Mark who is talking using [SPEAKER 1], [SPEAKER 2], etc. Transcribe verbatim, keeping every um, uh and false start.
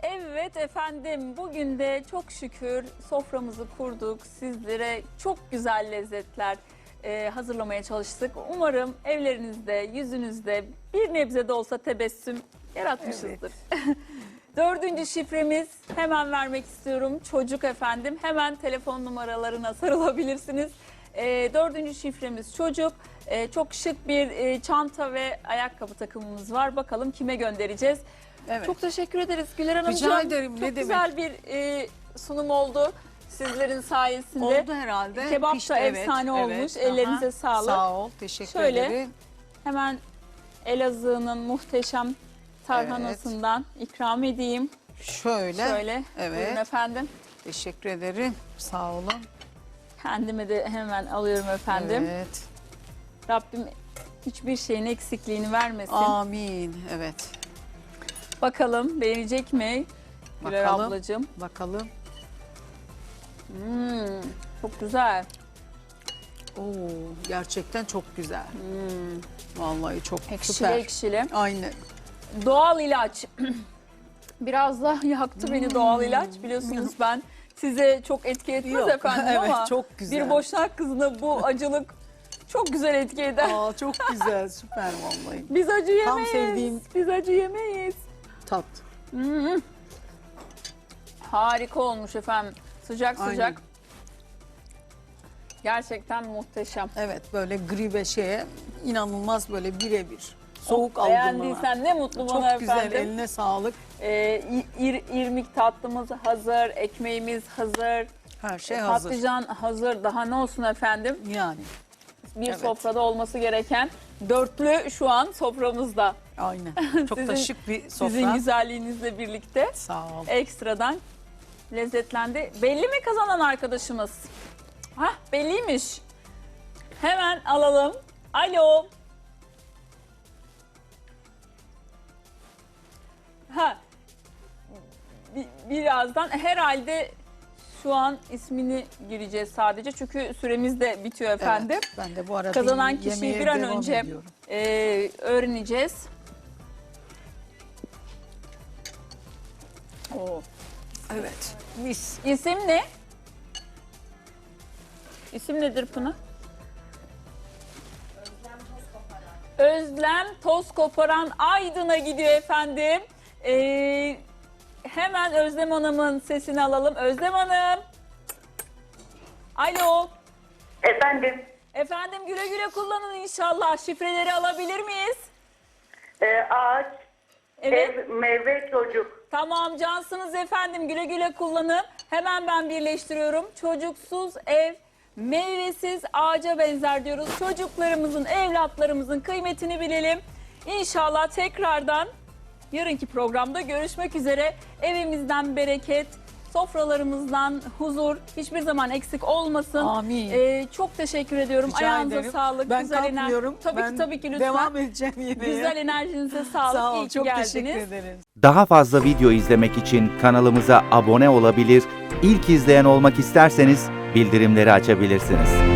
[SPEAKER 1] Evet efendim, bugün de çok şükür soframızı kurduk. Sizlere çok güzel lezzetler e, hazırlamaya çalıştık. Umarım evlerinizde, yüzünüzde bir nebze de olsa tebessüm yaratmışızdır. Evet. Dördüncü şifremiz, hemen vermek istiyorum. Çocuk efendim, hemen telefon numaralarına sarılabilirsiniz. E, dördüncü şifremiz çocuk. E, çok şık bir e, çanta ve ayakkabı takımımız var. Bakalım kime göndereceğiz? Evet. Çok teşekkür ederiz Güler Hanımcığım.
[SPEAKER 2] Rica ederim.
[SPEAKER 1] Çok
[SPEAKER 2] ne
[SPEAKER 1] güzel
[SPEAKER 2] demek?
[SPEAKER 1] bir e, sunum oldu sizlerin sayesinde.
[SPEAKER 2] Oldu herhalde.
[SPEAKER 1] Kebap
[SPEAKER 2] Pişti,
[SPEAKER 1] da
[SPEAKER 2] evet,
[SPEAKER 1] efsane olmuş.
[SPEAKER 2] evet.
[SPEAKER 1] Ellerinize
[SPEAKER 2] Aha.
[SPEAKER 1] sağlık.
[SPEAKER 2] Sağ ol. Teşekkür
[SPEAKER 1] Şöyle,
[SPEAKER 2] ederim.
[SPEAKER 1] hemen Elazığ'ın muhteşem tarhanasından evet. ikram edeyim.
[SPEAKER 2] Şöyle.
[SPEAKER 1] Şöyle.
[SPEAKER 2] Evet.
[SPEAKER 1] Buyurun efendim.
[SPEAKER 2] Teşekkür ederim. Sağ olun.
[SPEAKER 1] Kendime de hemen alıyorum efendim.
[SPEAKER 2] Evet.
[SPEAKER 1] Rabbim hiçbir şeyin eksikliğini vermesin.
[SPEAKER 2] Amin. Evet.
[SPEAKER 1] Bakalım beğenecek mi Güler
[SPEAKER 2] Bakalım.
[SPEAKER 1] ablacığım?
[SPEAKER 2] Bakalım.
[SPEAKER 1] Hmm, çok güzel.
[SPEAKER 2] Oo, gerçekten çok güzel.
[SPEAKER 1] Hmm.
[SPEAKER 2] Vallahi çok
[SPEAKER 1] Ekşili
[SPEAKER 2] süper.
[SPEAKER 1] ekşili.
[SPEAKER 2] Aynen.
[SPEAKER 1] Doğal ilaç. Biraz da yaktı beni
[SPEAKER 2] Hmm.
[SPEAKER 1] doğal ilaç. Biliyorsunuz ben size çok etki etmez
[SPEAKER 2] Yok,
[SPEAKER 1] efendim
[SPEAKER 2] evet,
[SPEAKER 1] ama
[SPEAKER 2] çok güzel.
[SPEAKER 1] bir boşnak kızına bu acılık çok güzel etki eder.
[SPEAKER 2] Aa, çok güzel, süper vallahi.
[SPEAKER 1] Biz acı yemeyiz.
[SPEAKER 2] Tam sevdiğim
[SPEAKER 1] Biz acı yemeyiz.
[SPEAKER 2] tat.
[SPEAKER 1] Hmm. Harika olmuş efendim. Sıcak
[SPEAKER 2] Aynen.
[SPEAKER 1] sıcak. Gerçekten muhteşem.
[SPEAKER 2] Evet, böyle gri ve şeye inanılmaz böyle birebir. Soğuk
[SPEAKER 1] Oh,
[SPEAKER 2] algınlığına.
[SPEAKER 1] beğendiysen ne mutlu bana
[SPEAKER 2] Çok
[SPEAKER 1] efendim.
[SPEAKER 2] güzel, eline sağlık.
[SPEAKER 1] Ee, ir, irmik tatlımız hazır, ekmeğimiz hazır.
[SPEAKER 2] Her şey hazır.
[SPEAKER 1] Patlıcan hazır. Daha ne olsun efendim?
[SPEAKER 2] Yani.
[SPEAKER 1] Bir
[SPEAKER 2] Evet.
[SPEAKER 1] sofrada olması gereken dörtlü şu an soframızda.
[SPEAKER 2] Aynen. Çok da
[SPEAKER 1] Sizin-
[SPEAKER 2] şık bir sofra.
[SPEAKER 1] Sizin güzelliğinizle birlikte
[SPEAKER 2] Sağ ol.
[SPEAKER 1] ekstradan lezzetlendi. Belli mi kazanan arkadaşımız? Hah, belliymiş. Hemen alalım. Alo. Ha. Bi- Birazdan herhalde şu an ismini gireceğiz sadece. Çünkü süremiz de bitiyor efendim.
[SPEAKER 2] Evet, ben de bu arada
[SPEAKER 1] Kazanan kişiyi
[SPEAKER 2] yemeğe
[SPEAKER 1] bir an
[SPEAKER 2] devam
[SPEAKER 1] önce
[SPEAKER 2] ediyorum.
[SPEAKER 1] e, öğreneceğiz. Oo.
[SPEAKER 2] Evet. Mis.
[SPEAKER 1] İsim ne? İsim nedir Pınar? Özlem Toz Koparan Aydın'a gidiyor efendim. Ee, hemen Özlem Hanım'ın sesini alalım. Özlem Hanım. Alo.
[SPEAKER 3] Efendim,
[SPEAKER 1] Efendim güle güle kullanın inşallah. Şifreleri alabilir miyiz?
[SPEAKER 3] e, ağaç,
[SPEAKER 1] Evet.
[SPEAKER 3] ev, meyve, çocuk.
[SPEAKER 1] Tamam cansınız efendim, güle güle kullanın. Hemen ben birleştiriyorum. Çocuksuz ev meyvesiz ağaca benzer diyoruz. Çocuklarımızın, evlatlarımızın kıymetini bilelim. İnşallah tekrardan yarınki programda görüşmek üzere. Evimizden bereket, sofralarımızdan huzur hiçbir zaman eksik olmasın.
[SPEAKER 2] Amin.
[SPEAKER 1] Ee, çok teşekkür ediyorum.
[SPEAKER 2] Rica
[SPEAKER 1] Ayağınıza
[SPEAKER 2] ederim.
[SPEAKER 1] sağlık.
[SPEAKER 2] Ben
[SPEAKER 1] güzel ener-
[SPEAKER 2] kalkmıyorum.
[SPEAKER 1] Tabii
[SPEAKER 2] Ben
[SPEAKER 1] ki tabii ki lütfen.
[SPEAKER 2] devam edeceğim yemeğe.
[SPEAKER 1] Güzel enerjinize sağlık.
[SPEAKER 2] Sağ ol,
[SPEAKER 1] İyi ki
[SPEAKER 2] çok
[SPEAKER 1] geldiniz.
[SPEAKER 2] teşekkür ederim.
[SPEAKER 4] Daha fazla video izlemek için kanalımıza abone olabilir, ilk izleyen olmak isterseniz bildirimleri açabilirsiniz.